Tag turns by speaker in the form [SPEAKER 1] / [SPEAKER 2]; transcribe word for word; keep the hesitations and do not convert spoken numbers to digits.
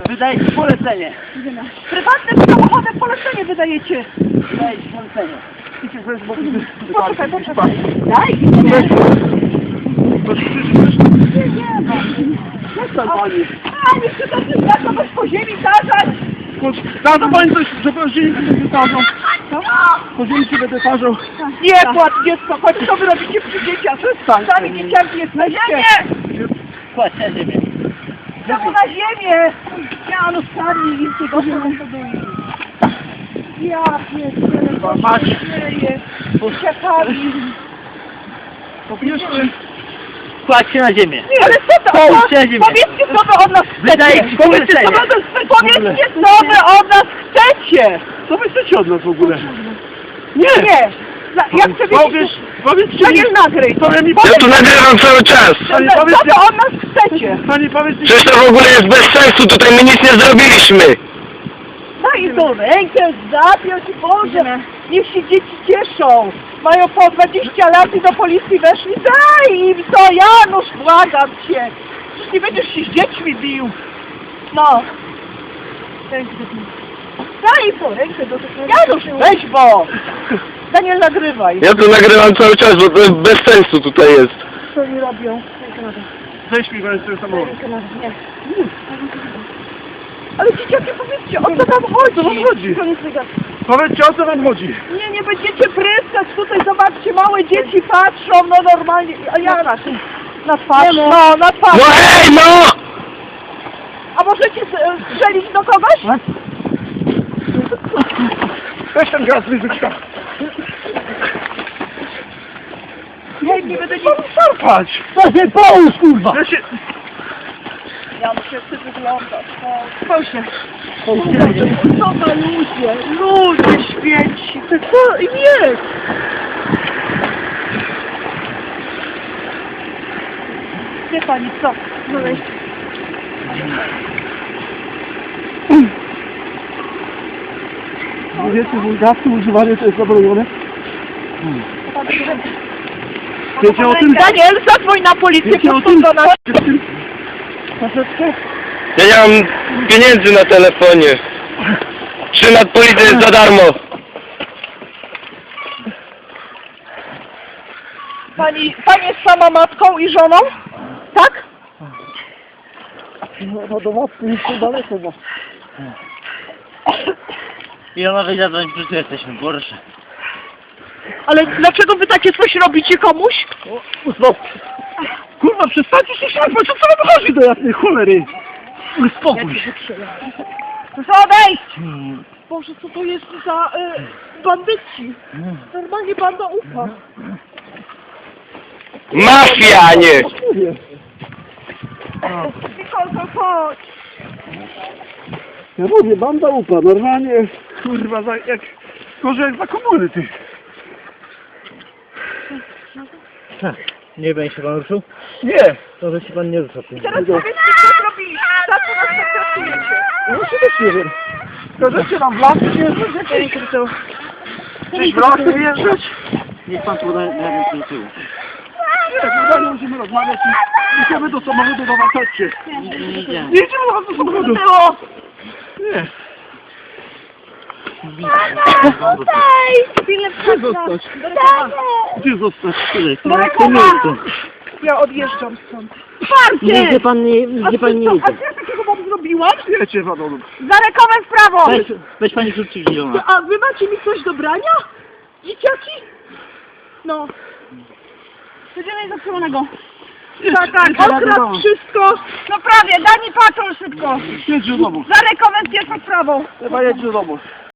[SPEAKER 1] Wydajecie polecenie.
[SPEAKER 2] Prywatnym samochodem polecenie wydajecie.
[SPEAKER 1] Wydajecie polecenie. Idźcie sobie z boku.
[SPEAKER 2] Poczekaj, poczekaj. Daj,
[SPEAKER 1] Nie,
[SPEAKER 2] nie.
[SPEAKER 1] nie, nie. Przestań pani.
[SPEAKER 2] A, nie chcę to wszystko weź po ziemi zarzać.
[SPEAKER 1] Na to pani coś, że po ziemi będę wytarzał. Po ziemi się będę tarzał.
[SPEAKER 2] Nie płacz dziecko, chodź, co wy robicie przy dzieciach?
[SPEAKER 1] Przestań.
[SPEAKER 2] Sami dzieciaki jesteście.
[SPEAKER 1] Kładź na ziemię.
[SPEAKER 2] Znowu na ziemię. Ja no sami im tego powoduję. Ja pierdolę, co
[SPEAKER 1] Mać.
[SPEAKER 2] się dzieje. Dzieciakami.
[SPEAKER 1] Popieszmy. Kładź się na ziemię.
[SPEAKER 2] Nie, ale co to?
[SPEAKER 1] Połóż się na ziemię.
[SPEAKER 2] Powiedzcie, co wy od nas
[SPEAKER 1] Wydaje
[SPEAKER 2] chcecie.
[SPEAKER 1] ci
[SPEAKER 2] Powiedzcie, co
[SPEAKER 1] polecenie.
[SPEAKER 2] wy od nas chcecie. Powiedzcie, co wy od nas chcecie.
[SPEAKER 1] Co wy chcecie od nas w ogóle?
[SPEAKER 2] Nie, nie. Za- Ja chcę
[SPEAKER 1] Powiedz,
[SPEAKER 2] wiedzieć,
[SPEAKER 1] powiedzcie
[SPEAKER 2] co
[SPEAKER 1] mi.
[SPEAKER 2] nie nagryj.
[SPEAKER 1] Powiem mi,
[SPEAKER 3] Ja tu nagrywam cały czas.
[SPEAKER 1] Pani
[SPEAKER 2] Co
[SPEAKER 1] powiedz,
[SPEAKER 2] to od nas chcecie?
[SPEAKER 1] pani powiedz mi.
[SPEAKER 3] Przecież to w ogóle jest bez sensu, tutaj my nic nie zrobiliśmy.
[SPEAKER 2] Daj tą rękę, zapiąć i Boże. Niech się dzieci cieszą. Mają po dwadzieścia lat i do policji weszli. Daj im to, Janusz, błagam cię. Przecież nie będziesz się z dziećmi bił. No. Rękę do- Daj im tą rękę do tego. Janusz, weź bo. Daniel, nagrywaj.
[SPEAKER 3] Ja tu nagrywam cały czas, bo to bez sensu tutaj jest.
[SPEAKER 2] Co oni robią? Rękę na dół.
[SPEAKER 1] Weź mi go z tym samochodem.
[SPEAKER 2] Rękę na dół. Nie. Ale dzieciaki, powiedzcie, o co tam chodzi?
[SPEAKER 1] O co wam chodzi?
[SPEAKER 2] Koniec tego.
[SPEAKER 1] Powiedzcie, o co wam chodzi.
[SPEAKER 2] Nie, nie będziecie pryskać, tutaj zobaczcie, małe dzieci patrzą, no normalnie, a ja na na twarz, no, na twarz.
[SPEAKER 3] No hej, no!
[SPEAKER 2] A możecie s- strzelić do kogoś?
[SPEAKER 1] Weź ten gaz z rzuciła.
[SPEAKER 2] Nie, nie będę nic.
[SPEAKER 1] Szarpać.
[SPEAKER 2] To się połóż, kurwa!
[SPEAKER 1] Ja się...
[SPEAKER 2] Ja muszę ty wyglądać, no. Proszę. Co za ludzie, ludzie święci, to co im jest? Wie pani co? No weź.
[SPEAKER 1] Wiecie, wulgarskie używanie to jest zabronione. Wiecie o tym?
[SPEAKER 2] Daniel, zadzwoń na policję,
[SPEAKER 1] Wiecie o
[SPEAKER 2] podchodź
[SPEAKER 1] tym?
[SPEAKER 2] do nas.
[SPEAKER 1] Troszeczkę?
[SPEAKER 3] Ja nie mam pieniędzy na telefonie. Trzymać policję jest za darmo.
[SPEAKER 2] Pani, pani jest sama matką i żoną? Tak?
[SPEAKER 1] No, no do mocy jeszcze daleko, bo...
[SPEAKER 4] Ja mogę zadzwonić, przecież jesteśmy, proszę.
[SPEAKER 2] Ale dlaczego wy takie coś robicie komuś?
[SPEAKER 1] No, kurwa, przestańcie się szarpać, o co wam chodzi do jasnej cholery? Uspokój się.
[SPEAKER 2] Proszę odejść! Boże, co to jest za y, bandyci? Normalnie banda ufa.
[SPEAKER 3] Mafia, a nie!
[SPEAKER 2] Nikolko, chodź!
[SPEAKER 1] Ja mówię, banda upa, normalnie, kurwa, za, jak, gorzej jak za komuny, ty.
[SPEAKER 4] Nie będzie się pan ruszył?
[SPEAKER 1] Nie,
[SPEAKER 4] To, że się pan nie rusza.
[SPEAKER 2] Teraz powiedzcie, co zrobiliście, za co nas traktujecie?
[SPEAKER 1] no się też nie wiem. Każecie nam w lasy wjeżdżać? Gdzieś w lasy wjeżdżać?
[SPEAKER 4] Niech pan podaje na do tyłu.
[SPEAKER 1] Nie, normalnie musimy rozmawiać i idziemy do samochodu do was, chodźcie.
[SPEAKER 4] Nie, nie idziemy.
[SPEAKER 1] Nie idziemy do was do samochodu.
[SPEAKER 2] Było!
[SPEAKER 1] Nie.
[SPEAKER 2] Daj! Chwilę
[SPEAKER 1] Gdzie zostać? Gdzie zostać?
[SPEAKER 2] Dorekowa! Ja odjeżdżam stąd.
[SPEAKER 4] Nigdzie pan nie, nigdzie pan nie
[SPEAKER 2] A
[SPEAKER 4] idzie.
[SPEAKER 2] co ja takiego wam zrobiłam?
[SPEAKER 1] Wiecie, Wadolu.
[SPEAKER 2] Zarekowę w prawo!
[SPEAKER 4] Weź, weź pani kluczyk zielona.
[SPEAKER 2] A wy macie mi coś do brania? Dzieciaki? No. Codziennie zatrzymanego. Tak, tak, okradł wszystko. No prawie, daj mi patrol szybko.
[SPEAKER 1] Jedź do domu.
[SPEAKER 2] Zarekowę z pierwszą sprawą.
[SPEAKER 1] Chyba jedź do domu.